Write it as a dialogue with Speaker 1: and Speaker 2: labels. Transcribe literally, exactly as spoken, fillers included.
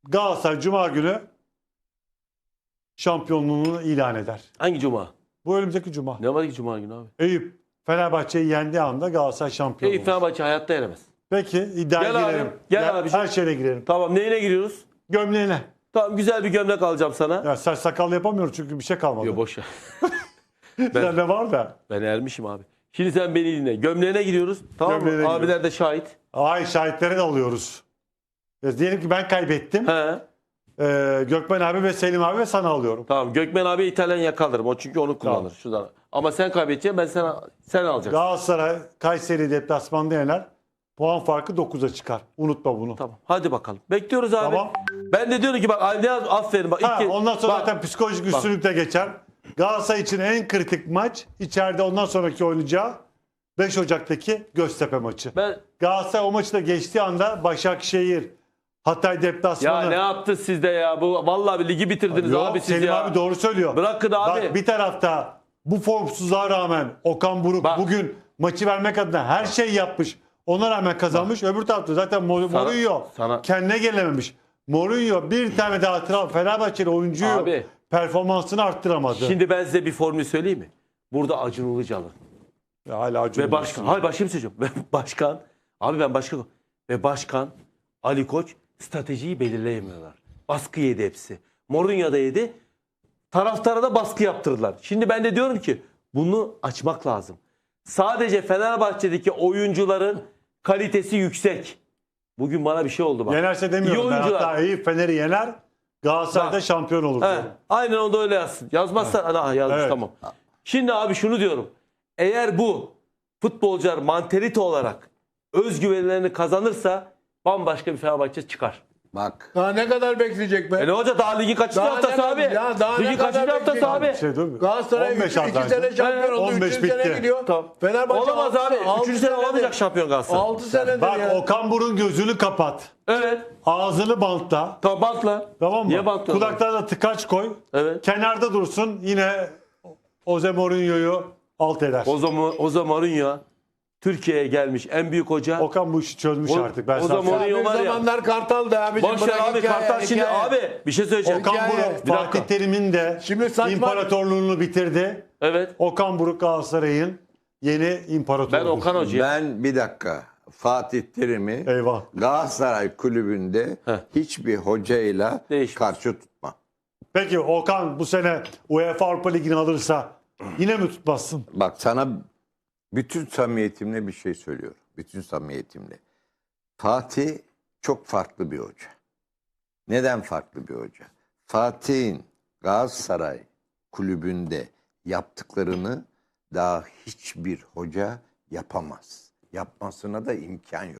Speaker 1: Galatasaray Cuma günü şampiyonluğunu ilan eder.
Speaker 2: Hangi cuma?
Speaker 1: Bu önümüzdeki Cuma.
Speaker 2: Ne var ki cuma günü abi?
Speaker 1: Eyüp Fenerbahçe'yi yendiği anda Galatasaray şampiyon
Speaker 2: Eyüp
Speaker 1: olur.
Speaker 2: Fenerbahçe hayatta yenemez.
Speaker 1: Peki iddiaya
Speaker 2: Gel abi,
Speaker 1: girelim.
Speaker 2: gel
Speaker 1: Ya,
Speaker 2: abi.
Speaker 1: Her şeyle girelim.
Speaker 2: Tamam, neyine giriyoruz?
Speaker 1: Gömleğine.
Speaker 2: Tamam, güzel bir gömlek alacağım sana.
Speaker 1: Ya saç sakal yapamıyoruz çünkü bir şey kalmadı.
Speaker 2: Yok, boş ver.
Speaker 1: ben, de var da.
Speaker 2: Ben ermişim abi. Şimdi sen beni dinle. Gömleğine giriyoruz. Tamam
Speaker 1: Gömleğine
Speaker 2: mı? Abiler de şahit.
Speaker 1: Ay şahitleri de alıyoruz. Ya, diyelim ki ben kaybettim.
Speaker 2: He.
Speaker 1: Ee, Gökmen abi ve Selim abi ve sana alıyorum.
Speaker 2: Tamam, Gökmen abi İtalyan yakalırım. O çünkü onu kullanır.
Speaker 1: Tamam.
Speaker 2: Şuradan. Ama sen kaybedeceksin, ben sana sen alacaksın.
Speaker 1: Galatasaray Kayseri deplasmanda yener. Puan farkı dokuza çıkar. Unutma bunu.
Speaker 2: Tamam. Hadi bakalım. Bekliyoruz abi.
Speaker 1: Tamam.
Speaker 2: Ben de diyorum ki bak Ali Yaz, aferin bak.
Speaker 1: Ha,
Speaker 2: ilk kez-
Speaker 1: ondan sonra
Speaker 2: bak,
Speaker 1: zaten psikolojik üstünlük de geçer. Galatasaray için en kritik maç içeride ondan sonraki oynayacağı beş Ocak'taki Göztepe maçı.
Speaker 2: ben
Speaker 1: Galatasaray o maçı da geçtiği anda Başakşehir, Hatay
Speaker 2: ya
Speaker 1: deplasmanı.
Speaker 2: ne yaptı sizde ya? Bu vallahi bir ligi bitirdiniz
Speaker 1: Yok,
Speaker 2: abi siz
Speaker 1: Selim
Speaker 2: ya.
Speaker 1: abi doğru söylüyor.
Speaker 2: Bırakın abi.
Speaker 1: Bak bir tarafta bu formsuzluğa rağmen Okan Buruk
Speaker 2: Bak.
Speaker 1: bugün maçı vermek adına her şeyi yapmış. Ona rağmen kazanmış. Öbür tarafta zaten Mor-
Speaker 2: Sana-
Speaker 1: Mourinho
Speaker 2: sana-
Speaker 1: kendine gelememiş. Mourinho bir tane daha tra- Fenerbahçeli oyuncuyu
Speaker 2: Abi.
Speaker 1: performansını arttıramadı.
Speaker 2: Şimdi ben size bir formül söyleyeyim mi? Burada Acun Ilıcalı
Speaker 1: Ya hala Acun
Speaker 2: ve başkan. Hayır, başka bir şey söyleyeceğim. Ve başkan. Abi ben başkan. Ve başkan Ali Koç stratejiyi belirleyemiyorlar. Baskı yedi hepsi. Mourinho da yedi. Taraftara da baskı yaptırdılar. Şimdi ben de diyorum ki bunu açmak lazım. Sadece Fenerbahçe'deki oyuncuların kalitesi yüksek. Bugün bana bir şey oldu bak.
Speaker 1: Yenerse demiyorum.
Speaker 2: İyi
Speaker 1: Ben
Speaker 2: oyuncular.
Speaker 1: hatta iyi Fener'i yener. Galatasaray'da
Speaker 2: Bak.
Speaker 1: şampiyon olur.
Speaker 2: He,
Speaker 1: diyorum.
Speaker 2: aynen onu da öyle yazsın. Yazmazsan ha, yazmış
Speaker 1: Evet.
Speaker 2: tamam. Şimdi abi şunu diyorum. Eğer bu futbolcular mantalite olarak özgüvenlerini kazanırsa bambaşka bir Fenerbahçe çıkar.
Speaker 3: Bak.
Speaker 4: Daha ne kadar bekleyecek be?
Speaker 2: E ne olacak, daha ligin kaçıncı
Speaker 4: Daha ne
Speaker 2: haftası
Speaker 4: kadar-
Speaker 2: abi?
Speaker 4: ya daha ne
Speaker 2: ligin
Speaker 4: kadar
Speaker 2: kaçıncı haftası
Speaker 4: bekleyecek?
Speaker 2: abi?
Speaker 1: Şey değil mi?
Speaker 4: Galatasaray
Speaker 1: on beş
Speaker 4: iki
Speaker 1: hafta
Speaker 4: sene
Speaker 1: önce.
Speaker 4: şampiyon oldu.
Speaker 1: on beş
Speaker 4: üçüncü sene
Speaker 1: bitti.
Speaker 4: gidiyor.
Speaker 2: Tamam.
Speaker 4: Fenerbahçe
Speaker 2: Olamaz
Speaker 4: altı-
Speaker 2: abi.
Speaker 4: altı
Speaker 2: Üçüncü sene
Speaker 4: senedir-
Speaker 2: olamayacak şampiyon Galatasaray.
Speaker 4: altı senedir
Speaker 1: Bak
Speaker 4: ya.
Speaker 1: Okan Buruk'un gözünü kapat.
Speaker 2: Evet.
Speaker 1: Ağzını bantla.
Speaker 2: Tamam, bantla.
Speaker 1: Tamam mı?
Speaker 2: Niye bantla?
Speaker 1: Kulaklarına tıkaç koy.
Speaker 2: Evet.
Speaker 1: Kenarda dursun, yine Jose Mourinho'yu alt eder.
Speaker 2: O zaman o zaman Mourinho Türkiye'ye gelmiş en büyük hoca.
Speaker 1: Okan bu işi çözmüş
Speaker 2: O-
Speaker 1: artık. Ben
Speaker 2: o
Speaker 1: sana
Speaker 2: zaman
Speaker 1: söyleyeyim.
Speaker 2: Mourinho
Speaker 4: Bir
Speaker 2: var ya.
Speaker 4: zamanlar Kartal'dı abicim.
Speaker 2: Boş ver
Speaker 4: Bırak
Speaker 2: abi,
Speaker 4: hikaye,
Speaker 2: Kartal şimdi
Speaker 4: hikaye.
Speaker 2: abi bir şey söyleyeceğim.
Speaker 1: Okan
Speaker 4: Hikaye.
Speaker 1: Buruk
Speaker 2: Bir dakika.
Speaker 1: Fatih Terim'in de
Speaker 4: Şimdi saçma-
Speaker 1: imparatorluğunu bitirdi.
Speaker 2: Evet.
Speaker 1: Okan Buruk Galatasaray'ın yeni imparatoru.
Speaker 2: Ben Okan Hoca'ya.
Speaker 3: Ben bir dakika. Fatih Terim'i
Speaker 1: Eyvah.
Speaker 3: Galatasaray kulübünde
Speaker 2: Heh.
Speaker 3: hiçbir hocayla
Speaker 2: Değişmez.
Speaker 3: karşı tutma.
Speaker 1: Peki Okan bu sene UEFA Avrupa Ligi'ni alırsa yine mi tutmazsın?
Speaker 3: Bak sana bütün samimiyetimle bir şey söylüyorum. Bütün samimiyetimle. Fatih çok farklı bir hoca. Neden farklı bir hoca? Fatih'in Galatasaray kulübünde yaptıklarını daha hiçbir hoca yapamaz. Yapmasına da imkan yok.